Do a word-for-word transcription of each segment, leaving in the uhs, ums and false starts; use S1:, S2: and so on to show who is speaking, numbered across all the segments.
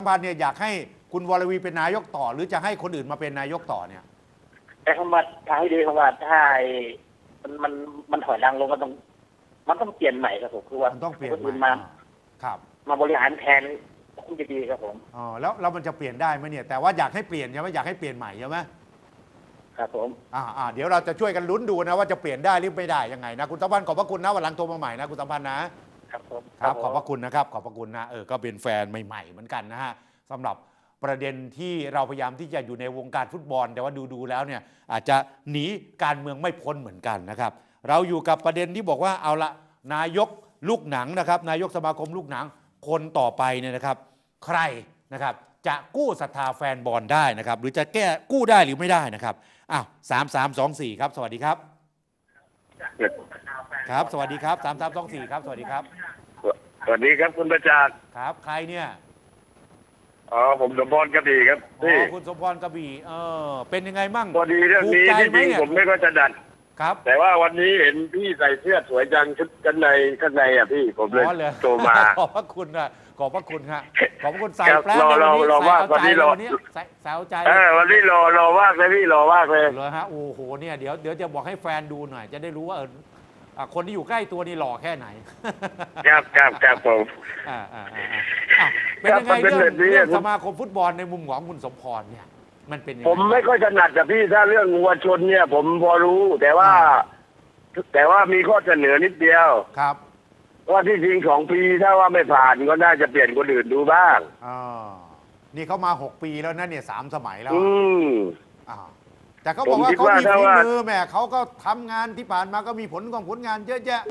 S1: พันธ์เนี่ยอยากให้คุณวรวีเป็นนายกต่อหรือจะให้คนอื่นมาเป็นนายกต่อเนี่ย
S2: แต่คำว่าทางที่ดีคำว่าถ้ามันมันมันถอยดังลงก็ต้องมันต้องเปลี่ยนใหม่ครับผมคือว่า
S1: มันต้องเปลี่ยน
S2: คน
S1: ให
S2: อื่
S1: ม่
S2: นมา
S1: ครับ
S2: มาบริหารแทนคงจะดีครับผม
S1: อ๋อแล้วเรามันจะเปลี่ยนได้ไหมเนี่ยแต่ว่าอยากให้เปลี่ยนใช่ไหมอยากให้เปลี่ยนใหม่ใช่ไหม
S2: ครับผม
S1: อ่าอ่าเดี๋ยวเราจะช่วยกันลุ้นดูนะว่าจะเปลี่ยนได้หรือไม่ได้ยังไงนะคุณสัมพันธ์ขอบพระคุณนะวันหลังโทรมาใหม่นะคุณสัมพันธ์นะครับ
S2: ผม
S1: ครับขอบพระคุณนะครับขอบพระคุณนะเออก็เป็นแฟนใหม่ๆเหมือนกันนะฮะสำหรับประเด็นที่เราพยายามที่จะอยู่ในวงการฟุตบอลแต่ว่าดูๆแล้วเนี่ยอาจจะหนีการเมืองไม่พ้นเหมือนกันนะครับเราอยู่กับประเด็นที่บอกว่าเอาละนายกลูกหนังนะครับนายกสมาคมลูกหนังคนต่อไปเนี่ยนะครับใครนะครับจะกู้ศรัทธาแฟนบอลได้นะครับหรือจะแก้กู้ได้หรือไม่ได้นะครับอ้าวสามสามสองสี่ครับสวัสดีครับครับสวัสดีครับสามสามสองสี่ครับสวัสดีครับ
S3: สวัสดีครับคุณประจักษ์
S1: ครับใครเนี่ย
S3: อ๋อผมสมพรกระบี่ครับ
S1: อ๋อคุณสมพรกระบี่เออเป็นยังไงมั่ง
S3: พอดีเรื่องนี้ที่จริงผมไม่ก็จะดัด
S1: ครับ
S3: แต่ว่าวันนี้เห็นพี่ใส่เสื้อสวยจังชุดกันในข้างในอ่ะพี่ผมเลยโทรมา
S1: ขอบพระคุณนะขอบพระคุณฮะขอบพระคุณใส่แปลง
S3: เราเราว่าวันนี้เรา
S1: ใส่ใส่เอาใจ
S3: เออวันนี้รอรอว่างเลยพี่รอว่างเลย
S1: เลยฮะโอ้โหเนี่ยเดี๋ยวเดี๋ยวจะบอกให้แฟนดูหน่อยจะได้รู้ว่าเออคนที่อยู่ใกล้ตัวนี่หล่อแค่ไหน
S3: ครับครับครับผม
S1: อ่าอ่าอ่าเป็นยังไงเรื่องเรื่องสมาคมฟุตบอลในมุมของคุณสมพรเนี่ยมันเป็น
S3: ผมไม่ค่อยถนัดกับพี่ถ้าเรื่องวัวชนเนี่ย ผมพอรู้แต่ว่า แต่ว่ามีข้อเสนอนิดเดียว
S1: ครับ
S3: ว่าที่จริงสองปีถ้าว่าไม่ผ่านก็น่าจะเปลี่ยนคนอื่นดูบ้าง
S1: อ๋อนี่เขามาหกปีแล้วนะเนี่ยสามสมัยแล้ว
S3: อืม
S1: อ่าแต่เขาบอกว่าเขามีฝีมือแม่เขาก็ทำงานที่ผ่านมาก็มีผลของผลงานเยอะแยะ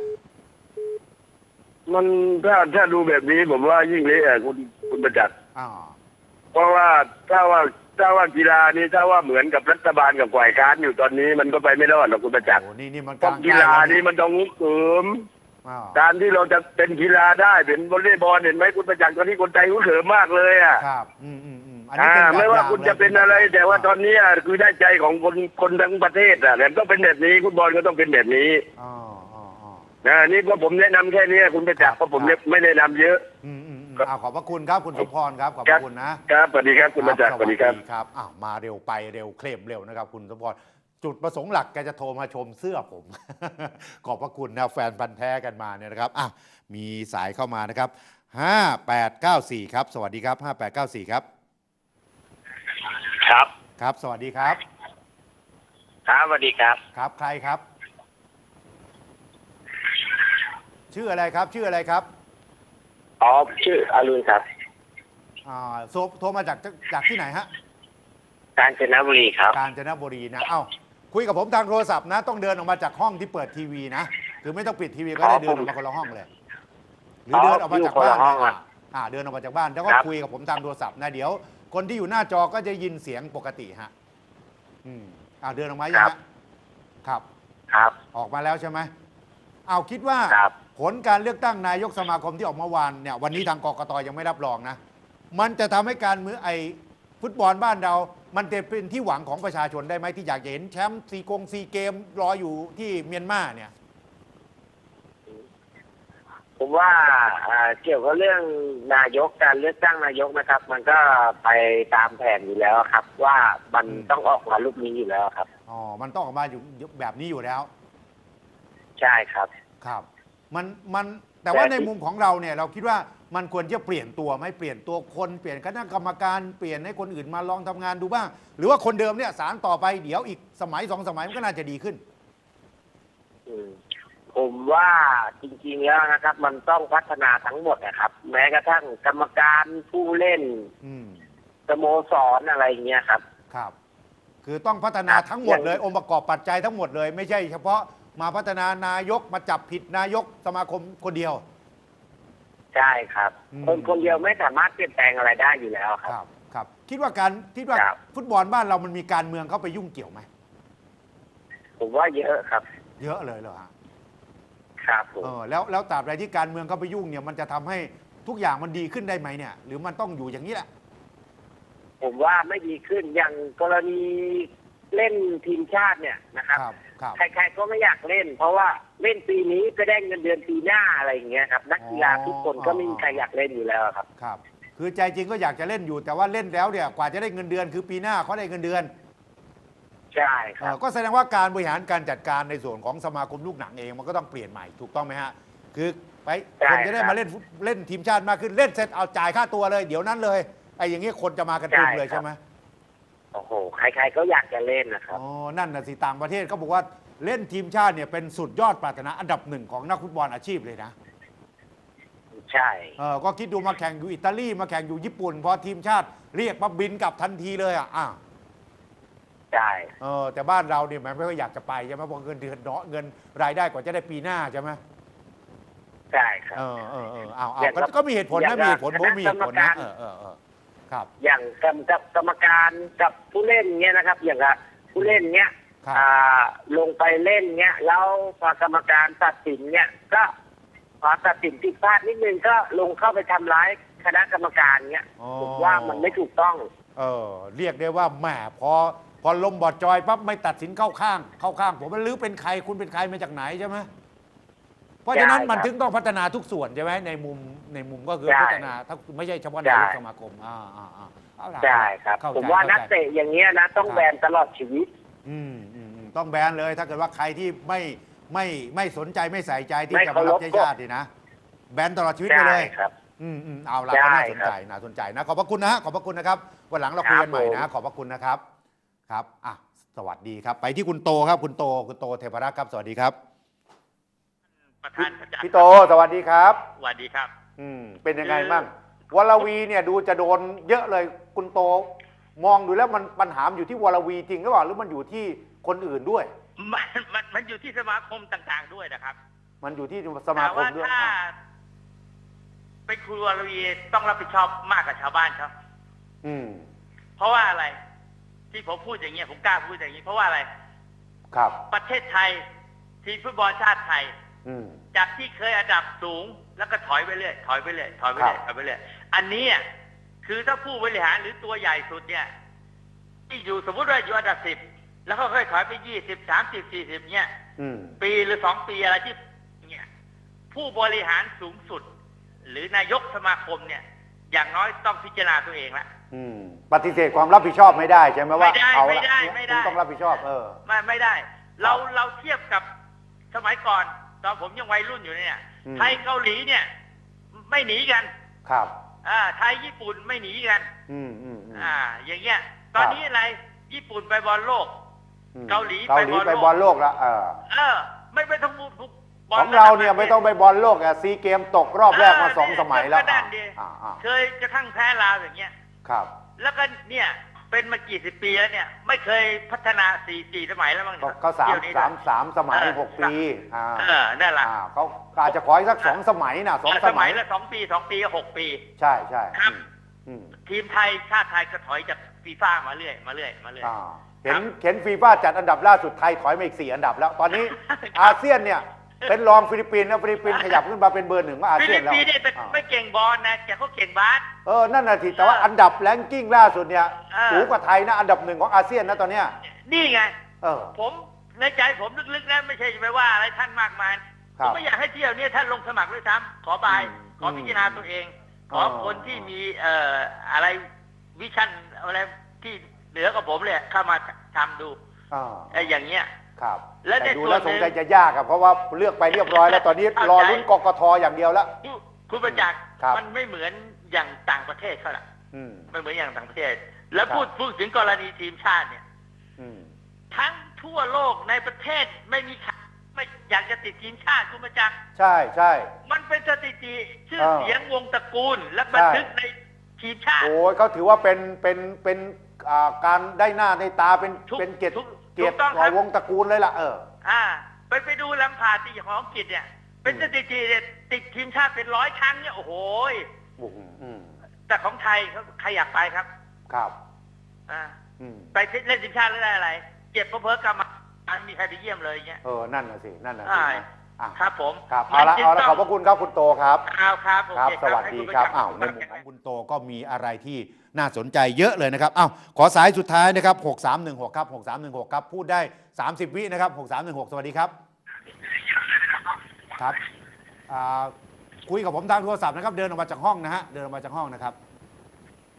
S3: มันถ้าถ้าดูแบบนี้ผมว่ายิ่งเละคุณคุณประจักษ์เพราะว่าถ้าว่าถ้าว่ากีฬานี้ถ้าว่าเหมือนกับรัฐบาลกับฝ่ายค้านอยู่ตอนนี้มันก็ไปไม่รอดหรอกคุณประจักษ์
S1: นี่นี่มัน
S3: กีฬานี้มันต้องงุ้มเสริมการที่เราจะเป็นกีฬาได้เป็นวอลเลย์บอลเห็นไหมคุณประจักษ์ตอนนี้คนไทยงุ้มเสริมมากเลยอ่ะ
S1: ครับอืมอืมอืม
S3: อ่าไม่ว่าคุณจะเป็นอะไร แต่ว่าตอนนี้คือได้ใจของคนคนทั้งประเทศอ่ะแต่ต้องเป็นแบบนี้ฟุตบอลก็ต้องเป็นแบบนี้
S1: อ๋ออ๋ออ๋อ
S3: นะนี่ก็ผมแนะนำแค่นี้คุณประจักษ์เพราะผมไม่แนะนำเยอะ
S1: อืมอืมอ่าขอบพระคุณครับคุณสมพรครับขอบพระคุณ
S3: นะครับสวัสดีครับคุณประจักษ์สวัสดีครับ
S1: ครับอ้าวมาเร็วไปเร็วเคลมเร็วนะครับคุณสมพรจุดประสงค์หลักแกจะโทรมาชมเสื้อผม ขอบพระคุณนะแฟนพันธ์แท้กันมาเนี่ยนะครับอ่ะมีสายเข้ามานะครับห้าแปดเก้าสี่ครับสวัสดีครับห้าแปดเก้าสี่ครับ
S3: ครับ
S1: ครับสวัสดีครับ
S3: ครับสวัสดีครับ
S1: ครับใครครับชื่ออะไรครับชื่ออะไรครับ
S3: อ๋อชื่ออรุณครับ
S1: อ่าโทรมาจากจากที่ไหนฮะ
S3: กาญจนบุรีครับ
S1: กาญจนบุรีนะเอ้าคุยกับผมทางโทรศัพท์นะต้องเดินออกมาจากห้องที่เปิดทีวีนะคือไม่ต้องปิดทีวีก็ได้เดินออกมาคนละห้องเลยหรือเดินออกมาจากบ้านอ่าเดินออกมาจากบ้านแล้วก็คุยกับผมทางโทรศัพท์นะเดี๋ยวคนที่อยู่หน้าจอก็จะยินเสียงปกติฮะอืมอ่าเดินออกมายังฮะครับ
S3: ครับ
S1: ออกมาแล้วใช่ไหมเอาคิดว่าผลการเลือกตั้งนายกสมาคมที่ออกเมื่อวานเนี่ยวันนี้ทางกกตยังไม่รับรองนะมันจะทำให้การเมืองไอฟุตบอลบ้านเรามันจะเป็นที่หวังของประชาชนได้ไหมที่อยากจะเห็นแชมป์ซีกงซีเกมรออยู่ที่เมียนมาเนี่ย
S3: ผมว่าเกี่ยวกับเรื่องนายกการเลือกตั้งนายกนะครับมันก็ไปตามแผนอยู่แล้วครับว่ามันต้องออกมารูปนี้อยู่แล้วครับ
S1: อ๋อมันต้องออกมาอยู่แบบนี้อยู่แล้ว
S3: ใช่ครับ
S1: ครับมันมันแต่ว่าในมุมของเราเนี่ยเราคิดว่ามันควรจะเปลี่ยนตัวไหมเปลี่ยนตัวคนเปลี่ยนคณะกรรมการเปลี่ยนให้คนอื่นมาลองทำงานดูบ้างหรือว่าคนเดิมเนี่ยสารต่อไปเดี๋ยวอีกสมัยสองสมัยมันก็น่าจะดีขึ้น
S3: ผมว่าจริงๆแล้วนะครับมันต้องพัฒนาทั้งหมดนะครับแม้กระทั่งกรรมการผู้เล่นสโมสรอะไรเงี้ยครับ
S1: ครับคือต้องพัฒนาทั้งหมดเลยองค์ประกอบปัจจัยทั้งหมดเลยไม่ใช่เฉพาะมาพัฒนานายกมาจับผิดนายกสมาคมคนเดียว
S3: ใช่ครับคนคนเดียวไม่สามารถเปลี่ยนแปลงอะไรได้อยู่แล้วครับ
S1: ครับครับคิดว่าการคิดว่าฟุตบอลบ้านเรามันมีการเมืองเข้าไปยุ่งเกี่ยวไหม
S3: ผมว่าเยอะครับ
S1: เยอะเลยเหรอฮะ
S3: ครับผม
S1: เออแล้วแล้วตราบใดที่การเมืองเข้าไปยุ่งเนี่ยมันจะทำให้ทุกอย่างมันดีขึ้นได้ไหมเนี่ยหรือมันต้องอยู่อย่างนี้แหละ
S3: ผมว่าไม่ดีขึ้นอย่างกรณีเล่นทีมชาติเนี่ยนะครับใครๆก็ไม่อยากเล่นเพราะว่าเล่นปีนี้ก็ได้เงินเดือนปีหน้าอะไรอย่างเงี้ยครับนักกีฬาทุกคนก็ไม่มีใครอยากเล่นอยู่แล้วครับ
S1: ครับคือใจจริงก็อยากจะเล่นอยู่แต่ว่าเล่นแล้วเนี่ยกว่าจะได้เงินเดือนคือปีหน้าเขาได้เงินเดือน
S2: ใช่ค
S1: เอ่
S2: รั
S1: อบ ก็แสดงว่าการบริหารการจัดการในส่วนของสมาคมลูกหนังเองมันก็ต้องเปลี่ยนใหม่ถูกต้องไหมฮะคือไป
S2: ใช่
S1: คนจะได้
S2: ครับ
S1: มาเล่นฟุตเล่นทีมชาติมากขึ้นเล่นเสร็จเอาจ่ายค่าตัวเลย เดี๋ยวนั้นเลยไอ้อย่างงี้คนจะมากันเต็ม
S2: ใช่
S1: เลย
S2: ครับ
S1: ใช่ไหม
S2: โอ้โหใครๆก็อยากจะเล่นนะครับ
S1: อ๋อนั่นน่ะสิต่างประเทศเขาบอกว่าเล่นทีมชาติเนี่ยเป็นสุดยอดปรารถนาอันดับหนึ่งของนักฟุตบอลอาชีพเลยนะ
S2: ใช่
S1: เออก็คิดดูมาแข่งอยู่อิตาลีมาแข่งอยู่ญี่ปุ่นพอทีมชาติเรียกมาบินกลับทันทีเลยอ่ะอ่ะ
S2: ใช่
S1: เออแต่บ้านเราเนี่ยมันไม่ค่อยอยากจะไปใช่ไหมเพราะเงินเดือนเนาะเงินรายได้กว่าจะได้ปีหน้าใช่ไหม
S2: ใช่ครับ
S1: เออเออเออเอาเอา
S2: อย่าง
S1: ก็
S2: กับ
S1: ก็มีเหตุผล
S2: อย่า
S1: นะ
S2: ง
S1: มีเหตุผล
S2: กับ
S1: ผมมีเหตุผล
S2: คณะ
S1: นะ
S2: กรรมการ
S1: เออเออเออครับ
S2: อย่างกับกับกรรมการกับผู้เล่นเงี้ยนะครับ อย่างกับผู้เล่นเงี้ย
S1: ครับ
S2: อ่าลงไปเล่นเงี้ยแล้วพอกรรมการตัดสินเงี้ยก็พอตัดสินผิดพลาดนิดนึงก็ลงเข้าไปทำร้ายคณะกรรมการเงี้ย
S1: อ๋อ
S2: ผมว่ามันไม่ถูกต้อง
S1: เออเรียกได้ว่าแหมพอพอลมบอดจอยปั๊บไม่ตัดสินเข้าข้าง เข้าข้างผมว่าหรือเป็นใครคุณเป็นใครมาจากไหนใช่ไหมเพราะฉะนั้น
S2: ใช่ครับ
S1: มันถึงต้องพัฒนาทุกส่วนใช่ไหมในมุมในมุมก็คือ
S2: ใช่
S1: พัฒนาถ้าไม่ใช่เฉพาะ
S2: ใช่
S1: นายกสมาคมอ่าอ่าอ่าเอาล่ะ
S2: ใช่ครับ
S1: เข้ใจ
S2: ผมว่านัก
S1: ข้ใจ
S2: เตะอย่างเงี้ยนะต้องแบนตลอดชีวิต
S1: อืมอืมอืมต้องแบนเลยถ้าเกิดว่าใครที่ไม่ไม่ไม่สนใจไม่ใส่ใจที่
S2: ไม่
S1: จะมารับ
S2: เคารพ
S1: ใช้ชาตินี่นะแบนตลอดชีวิตไป
S2: ใช่
S1: เลย
S2: ครับ
S1: อืมอืมเอาละ
S2: ใช่
S1: ก็น่าสน
S2: ครับ
S1: ใจน่าสนใจนะขอบพระคุณนะฮะขอบพระคุณนะครับวันหลังเราคุยกันใหม่
S2: ครั
S1: นะ
S2: บผม
S1: ขอบพระคุณนะครับครับอ่ะสวัสดีครับ ไปที่คุณโตครับคุณโตคุณโตเทพรักษ์ครับสวัสดีครับ
S4: ประธานประจักษ์
S1: พี่โตสวัสดีครับ
S4: สวัสดีครับ
S1: อืมเป็นยังไง
S4: คือ
S1: บ้างวรวีเนี่ยดูจะโดนเยอะเลยคุณโตมองดูแล้วมันปัญหาอยู่ที่วรวีจริงหรือเปล่าหรือมันอยู่ที่คนอื่นด้วย
S4: มันมันมันอยู่ที่สมาคมต่างๆด้วยนะครับ
S1: มันอยู่ที่สมา
S4: แต่
S1: คม
S4: ว่า
S1: ด้วย
S4: ถ้า
S1: อ่ะ
S4: เป็นครูวรวีต้องรับผิดชอบมากกว่าชาวบ้านครับ
S1: อืม
S4: เพราะว่าอะไร ที่ผมพูดอย่างเงี้ยผมกล้าพูดอย่างนี้ เพราะว่าอะไร
S1: ครับ
S4: ประเทศไทยทีมฟุตบอลชาติไทย
S1: อืม
S4: จากที่เคยอันดับสูงแล้วก็ถอยไปเรื่อยถอยไปเรื่อยถอยไปเรื่อย
S1: ครับ
S4: ถอยไปเรื่อยอันนี้อ่ะคือถ้าผู้บริหารหรือตัวใหญ่สุดเนี่ยที่อยู่สมมติว่าอยู่อันดับสิบแล้วก็ค่อยถอยไปยี่สิบสามสิบสี่สิบเนี่ย
S1: อืม
S4: ปีหรือสองปีอะไรที่เนี่ยผู้บริหารสูงสุด หรือนายกสมาคมเนี่ย อย่างน้อยต้องพิจารณาตัวเองละ
S1: อืมปฏิเสธความรับผิดชอบไม่ได้ใช่ไหมว่า
S4: ไม่ได้
S1: เอา
S4: ไม่
S1: ละ
S4: ได้ไม่ได้
S1: คุณต้องรับผิดชอบเออ
S4: ไม่ไม่ได้ เราเราเทียบกับสมัยก่อน ตอนผมยังวัยรุ่นอยู่เนี่ย
S1: อืม
S4: ไทยเกาหลีเนี่ย ไม่หนีกัน
S1: ครับ
S4: อ่าไทยญี่ปุ่นไม่หนีกัน
S1: อืมอืมอืม
S4: อ่า อย่างเงี้ย ตอนนี้อะไรญี่ปุ่นไปบอลโลก
S1: อืม
S4: เกาหลี
S1: เกาหลี
S4: ไป
S1: ไป
S4: บบ อ
S1: อ
S4: ล
S1: ล
S4: โล
S1: โล
S4: ก
S1: กแล้วเออ
S4: เออ ไม่ไปทั้งบุกบอล
S1: ของเราเนี่ยไม่ต้องไปบอลโลกอะซีเกมตกรอบแรกมาสองสมัยแล้ว
S4: ก็นั่นดิ
S1: อ่าอ่า
S4: เคยกระทั่งแพ้ลาวอย่างเงี้ย
S1: ครับ
S4: แล้วก็เนี่ยเป็นมากี่สิบปีแล้วเนี่ย ไม่เคยพัฒนาสี่สี่สมัยแล้วมั้ง
S1: ก็
S4: เนี่ย
S1: ก็สาม
S4: เที่ยวนี้
S1: สามสามสมัย
S4: เออ
S1: หกปีอ่า
S4: เออนั่นแหละ
S1: อ่าเขาอาจจะขออีกสักสองสมัยนะสอง
S4: เออ
S1: ส
S4: ส
S1: มั
S4: มั
S1: ย
S4: ยละสองปีสองปีก็หกปี
S1: ใช่ใช่
S4: ครับ
S1: อืมอืม
S4: ทีมไทยชาติไทยก็ถอยจากฟีฟ่ามาเรื่อยมาเรื่อยมาเรื่อย
S1: อ่าเห็น
S4: ครับ
S1: เห็นฟีฟ่าจัดอันดับล่าสุดไทยถอยมาอีกสี่อันดับแล้ว ตอนนี้ อาเซียนเนี่ย เป็นรองฟิลิปปินส์นะฟิลิปปินส์ขยับขึ้นมาเป็นเบอร์หนึ่งของอา
S4: ฟิ
S1: เซีย
S4: ลิ
S1: น
S4: ป
S1: แล้ว
S4: ปินส์เนี่ยแต่
S1: อ่า
S4: ไม่เก่งบอลนะแต่เขาเก่งบาส
S1: เออนั่นน่ะทีแต่ว่าอันดับแรงกิ้งล่าสุดเนี่ย
S4: เออ
S1: สูงกว่าไทยนะอันดับหนึ่งของอาเซียนนะตอนเนี้ย
S4: นี่ไง
S1: เออ
S4: ผมในใจผมลึกๆนะไม่ใช่ไปว่าอะไรท่านมากมาย
S1: ค
S4: ผ
S1: รับ
S4: มไม่อยากให้เที่ยวเนี้ท่านลงสมัครด้วยซ้ำขอบาย
S1: อืม
S4: ขอพิจารณาตัวเอง ขอ
S1: อ๋อ
S4: คนที่มีเอ่ออะไรวิชั่นอะไรที่เหนือกว่าผมเลยเข้ามาทำดู
S1: อ่า
S4: ไอ้อย่างเงี้ย
S1: ครับ
S4: และใน
S1: แต่ดู
S4: ส่วน
S1: แล้ว
S4: หนึ่
S1: ส
S4: ง
S1: งสัยจะยากอะเพราะว่าเลือกไปเรียบร้อยแล้วตอนนี้
S4: เข้าใจ
S1: รอลุ้นกกทอย่างเดียวแล้ว
S4: คุณคุณประจักษ์
S1: ครับ
S4: มันไม่เหมือนอย่างต่างประเทศเขาล่ะ
S1: อืม
S4: ไม่เหมือนอย่างต่างประเทศ แล้ว
S1: ครับ
S4: พูดพูดถึงกรณีทีมชาติเนี่ย
S1: อืม
S4: ทั้งทั่วโลกในประเทศไม่มีใครไม่อยากจะติดทีมชาติคุณประจักษ์
S1: ใช่ใช่
S4: มันเป็นสถิติชื่อ
S1: เออ
S4: เสียงวงตระกูล และบันทึกในทีมชาติ
S1: โอ้ยเขาถือว่าเป็นเป็นเป็นอ่าการได้หน้าได้ตาเป็น
S4: ถูก
S1: เป็นเกียรติ
S4: ถูก
S1: เกียรติ
S4: ถูกต้องครับ
S1: วงตระกูลเลยล่ะเออ
S4: อ่า ไปไปดูลำพาตีของอังกฤษเนี่ย เป็นสถิติเนี่ยติดทีมชาติเป็นร้อยครั้งเนี่ยโอ้โหย
S1: อืมอืม
S4: แต่ของไทยเขาใครอยากไปครับ
S1: ครับ
S4: อ่า
S1: อืม
S4: ไปเล่นทีมชาติแล้วได้อะไร เจ็บเพราะเพ้อกรรมการมีใครไปเยี่ยมเลยอย่างเงี้ย
S1: เออนั่นน่ะสินั่นน่ะสิ
S4: ใช่
S1: นะอ่ะ
S4: ครับผม
S1: ครับเอาละ
S4: มันจึง
S1: เอาละ
S4: ต้ง
S1: ขอบพระคุณครับคุณโตครับ
S4: เอาครับโอ
S1: ครับ
S4: เค
S1: สวัสดีครับ
S4: ให้ณ
S1: อ้าวใน
S4: ประ
S1: มุม
S4: จักษ์
S1: ของคุณโตก็มีอะไรที่น่าสนใจเยอะเลยนะครับอ้าวขอสายสุดท้ายนะครับหกสามหนึ่งหกครับหกสามหนึ่งหกครับพูดได้สามสิบวินะครับหกสามหนึ่งหกสวัสดีครับครับอ่าคุยกับผมทางโทรศัพท์นะครับเดินออกมาจากห้องนะฮะเดินออกมาจากห้องนะครับ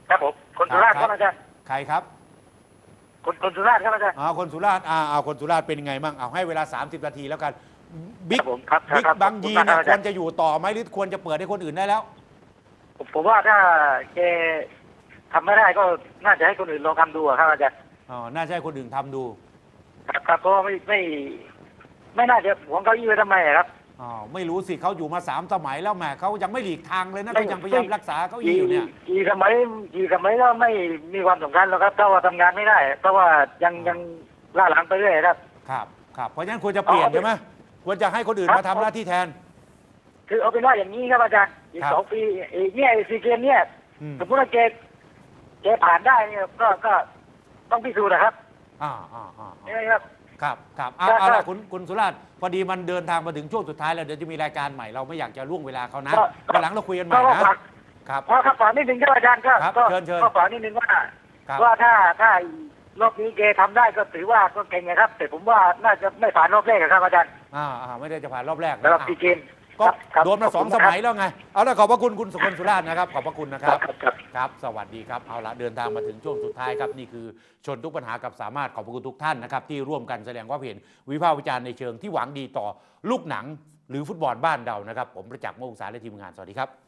S2: ครับผมคนสุราษฎร์ครับอาจารย์
S1: ใครครับ
S2: คนคนสุราษฎร์ครับอาจารย์
S1: อ่าคนสุราษฎร์อ่าเอาคนสุราษฎร์เป็นยังไงบ้างเอาให้เวลาสามสิบนาทีแล้วกันบิ๊
S2: ค
S1: ก
S2: รับผมครับ
S1: บิ๊ก
S2: ครับ
S1: บางยี
S2: ขอบ
S1: เนี่ย
S2: ณมก
S1: ควรจะอยู่ต่อไหมหรือควรจะเปิดให้คนอื่นได้แล้ว
S2: ผมผมว่าถ้าแกทำไม่ได้ก็น่าจะให้คนอื่นลองทำดูอะครับอาจารย์
S1: อ๋อน่าจะให้คนอื่นทำดู
S2: ครับครับเพราะว่าไม่ไม่ ไม่น่าจะหวงเก้าอี้ไว้ทำไมอะครับ
S1: อ๋อไม่รู้สิเขาอยู่มาสามสมัยแล้วแหมเขายังไม่หลีกทางเลยนะเขายังพยายามรักษาเก้าอี้อยู่เนี่ย
S2: กี่สมัยกี่สมัยก็ไม่มีความสำคัญหรอกครับถ้าว่าทำงานไม่ได้เพราะว่ายังยังล่าหลังไปเรื่อยครับ
S1: ครับครับเพราะฉะนั้นควรจะเปลี่ยน
S2: เอา
S1: ใช่ไหมควรจะให้คนอื่น
S2: ครับ
S1: มาทำหน้าที่แทน
S2: คือเอาเป็นว่าอย่างนี้ครับอาจารย์อีก
S1: ครับ
S2: สองปีอีกเนี่ยซีเกมเนี่ย
S1: อืม
S2: สมมติว่าแกแกผ่านได้เนี่ยก็ก็ต้องพิสูจน์นะครับ
S1: อ่าอ่าอ่า
S2: ใช่ไหมครับ
S1: ครับครับเอา
S2: ครับ
S1: เอา
S2: ครั
S1: ละ
S2: บ
S1: คุณคุณสุราษฎร์พอดีมันเดินทางมาถึงช่วงสุดท้ายแล้วเดี๋ยวจะมีรายการใหม่เราไม่อยากจะล่วงเวลาเขานะ
S2: ก็
S1: วันหลังเราคุยกันใหม่
S2: ก็
S1: นะ
S2: ฝาก
S1: ครับ
S2: เพราะครับฝากนิดนึงครับอาจารย์ก็
S1: ครับ
S2: ก็
S1: เชิญเชิญ
S2: ก็ฝากนิดนึงว่า
S1: ครับ
S2: ว่าถ้าถ้ารอบนี้แกทำได้ก็ถือว่าก็เก่งนะครับ แต่ผมว่าน่าจะไม่ผ่านรอบแรกอะครับอาจารย์
S1: อ่าอ่าไม่ได้จะผ่านรอบแรก
S2: สำหรับ
S1: นะ
S2: ซีเกม
S1: ก็
S2: ครับ
S1: โดนมาสองสมัยแล้วไง เอาละขอบพระคุณคุณสุคนสุราษฎร์นะครับ ขอบพระคุณนะค
S2: ครั
S1: รั
S2: บบ ครับครับ
S1: ครับ สวัสดีครับ เอาละเดินทางมาถึงช่วงสุดท้ายครับ นี่คือชนทุกปัญหากับสามารถขอบพระคุณทุกท่านนะครับ ที่ร่วมกันแสดงความเห็นวิพากษ์วิจารณ์ในเชิงที่หวังดีต่อลูกหนังหรือฟุตบอลบ้านเรานะครับ ผมประจักษ์โมกษาและทีมงาน สวัสดีครับ